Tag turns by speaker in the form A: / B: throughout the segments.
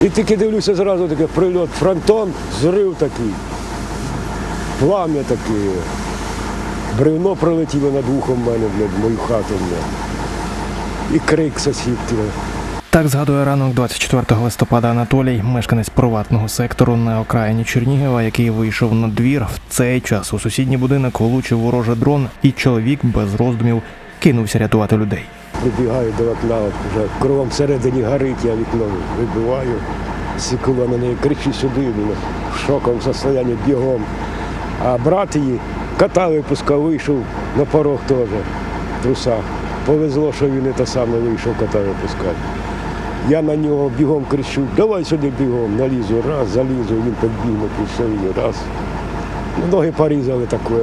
A: І тільки дивлюся, зразу таке прильот, фронтон, зрив такий, плам'я таке. Бревно пролетіло над вухом в мене, мою хату. І крик сусідки.
B: Так згадує ранок 24 листопада Анатолій, мешканець приватного сектору на окраїні Чернігова, який вийшов на двір. В цей час у сусідній будинок влучив ворожий дрон, і чоловік без роздумів кинувся рятувати людей.
A: Прибігаю до вікна, вже кругом всередині горить, я вікно вибиваю. Сікула на неї, кричу сюди, в шоковому стані бігом. А брат її кота випускав, вийшов на порог теж, в трусах. Повезло, що він і те саме вийшов кота випускати. Я на нього бігом кричу, давай сюди бігом, налізу, раз, залізу, він підбіг на пішові, раз. Ноги порізали таке.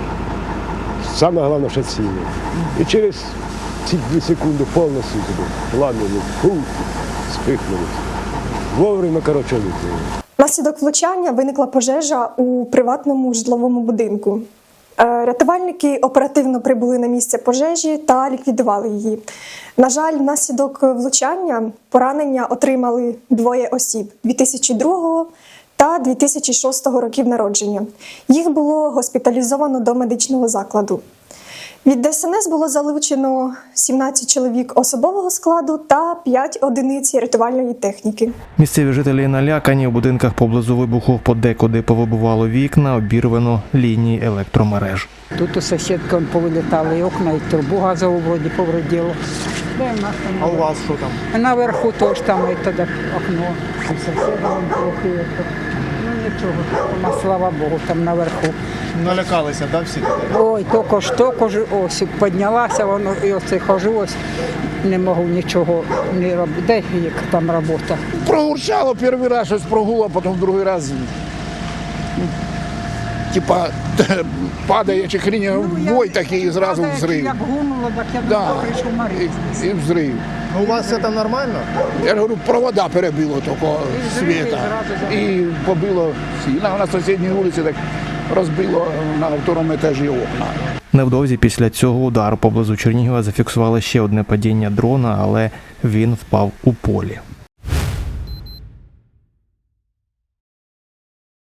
A: Саме головне, що ціле. І через ці 2 секунди повністю туди, плам'яні, спихнули. Вовремя, коротше, викинули.
C: Внаслідок влучання виникла пожежа у приватному житловому будинку. Рятувальники оперативно прибули на місце пожежі та ліквідували її. На жаль, внаслідок влучання поранення отримали 2 осіб 2002 та 2006 років народження. Їх було госпіталізовано до медичного закладу. Від ДСНС було залучено 17 чоловік особового складу та 5 одиниць рятувальної техніки.
B: Місцеві жителі налякані, у будинках поблизу вибуху подекуди повибивало вікна, обірвано лінії електромереж.
D: Тут у сусідки повилітали і окна, і трубу газову вроді повредило.
E: А у вас що там?
D: Наверху теж там і тоді окно. У сусіда вон трохи. Ну нічого, слава Богу, там наверху.
E: Налякалися, да, всі?
D: Ой, тільки ж ось піднялася, воно і оце хожу, ось не можу нічого не робити. Де як там робота?
F: Прогурчало перший раз, щось прогуло, потім другий раз, типа, падає чи хрінь, бой такий і зразу взрив.
D: Як гумило, так я
F: Да.
D: прийшов Марії.
F: І взрив.
E: У вас все там нормально?
F: Я ж говорю, провода перебило тільки світа. І побило всі. На сусідній вулиці так розбило на 2-му етажі окна.
B: Невдовзі після цього удару поблизу Чернігова зафіксували ще одне падіння дрона, але він впав у полі.